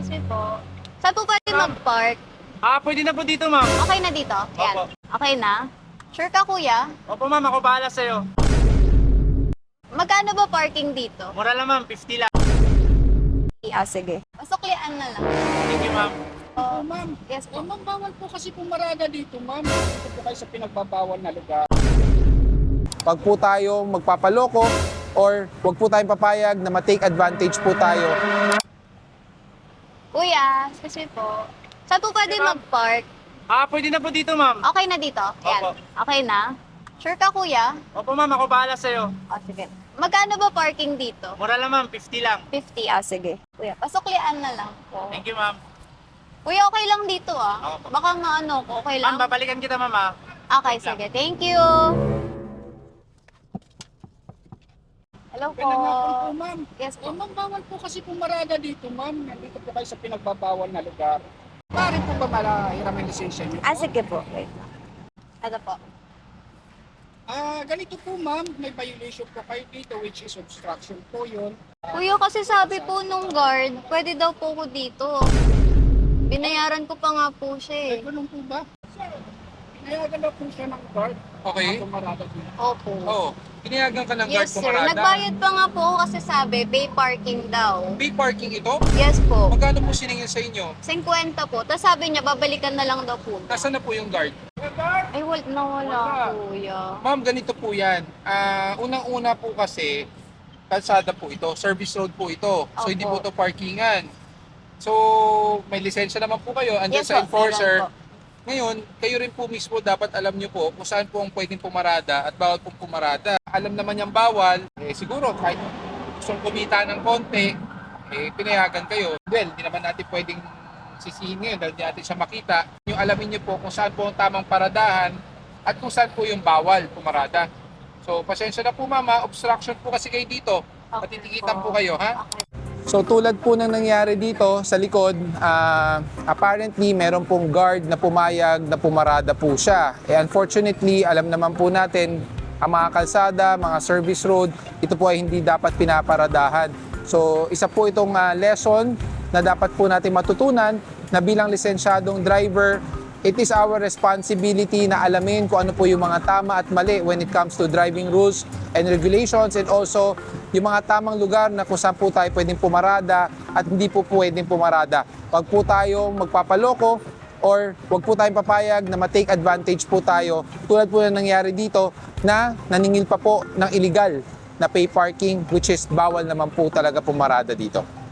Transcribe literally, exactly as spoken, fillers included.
Excuse me po. Saan po pwede mag-park? Ah, pwede na po dito, ma'am. Okay na dito? Ayan. Opo. Okay na? Sure ka, kuya? Opo, ma'am. Ako bahala sa'yo. Magkano ba parking dito? Mura lang, ma'am. fifty lang. Ah, sige. Pasuklian na lang. Thank you, ma'am. Oh, Ma'am, yes eh, po. ma'am, bawal po kasi pumarada dito, ma'am. Dito po kayo sa pinagbabawal na lugar. Wag po tayong magpapaloko or wag po tayong papayag na ma-take advantage po tayo. Kuya, excuse me po. Saan po pwede Ma'am. mag-park? Ah, pwede na po dito, ma'am. Okay na dito? Ayan. Opo. Okay na? Sure ka, kuya? Opo, ma'am. Ako bahala sa'yo. Oh, sige. Magkano ba parking dito? Mura lang, ma'am. fifty lang. fifty, ah, sige. Kuya, pasuklian na lang po. Thank you, ma'am. Kuya, okay lang dito ah. Opo. Baka maano ko, okay lang? Ma'am, babalikan kita, ma'am, ah. Okay, sige. Thank you. Hello po. Pinangakon po, ma'am. Yes Eh, po. ma'am, bawal po kasi pumarada dito, ma'am. Nandito po kayo sa pinagbabawal na lugar. Pare po ba malahiram ang lisensya niyo? Ah, sige po. Wait lang. Ito po. Ah, ganito po, ma'am. May violation po kayo dito, which is obstruction po yun. Kuya, kasi sabi po nung guard, pwede daw po ko dito. Binayaran ko pa nga po siya Eh, eh. ganun po ba? Pinayagan daw po siya ng guard. Okay. na pumarada dito. Opo. Oo. Pinayagan ka ng guard Yes, sir. pumarada. Nagbayad pa nga po ako kasi sabi, pay parking daw. Pay parking ito? Yes po. Magkano po siningil sa inyo? fifty po. Tapos sabi niya, babalikan na lang daw po. Nasaan na po yung guard? Ay, wala na wala, Wala. kuya. Ma'am, ganito po yan. Ah, unang-una po kasi, kalsada po ito. Service road po ito. So, Opo. hindi po ito parkingan. So, may lisensya naman po kayo. Andyan Yes sa po, enforcer. meron po. Ngayon, kayo rin po mismo dapat alam nyo po kung saan po ang pwedeng pumarada at bawal pong pumarada. Alam naman yung bawal, eh siguro kahit gustong kumita ng konti, eh pinayagan kayo. Well, hindi naman natin pwedeng sisihin ngayon dahil hindi natin siya makita. Yung alamin nyo po kung saan po ang tamang paradahan at kung saan po yung bawal pumarada. So, pasensya na po mama, obstruction po kasi kayo dito. Okay Matitikitan po. po kayo, ha? Okay. So tulad po ng nangyari dito sa likod, ah, apparently meron pong guard na pumayag na pumarada po siya. Eh, unfortunately, alam naman po natin, ang mga kalsada, mga service road, ito po ay hindi dapat pinaparadahan. So isa po itong ah, lesson na dapat po natin matutunan na bilang lisensyadong driver, it is our responsibility na alamin kung ano po yung mga tama at mali when it comes to driving rules and regulations, and also yung mga tamang lugar na kung saan po tayo pwedeng pumarada at hindi po pwedeng pumarada. Huwag po tayong magpapaloko or huwag po tayong papayag na ma-take advantage po tayo tulad po na nangyari dito na naningil pa po ng illegal na pay parking, which is bawal naman po talaga pumarada dito.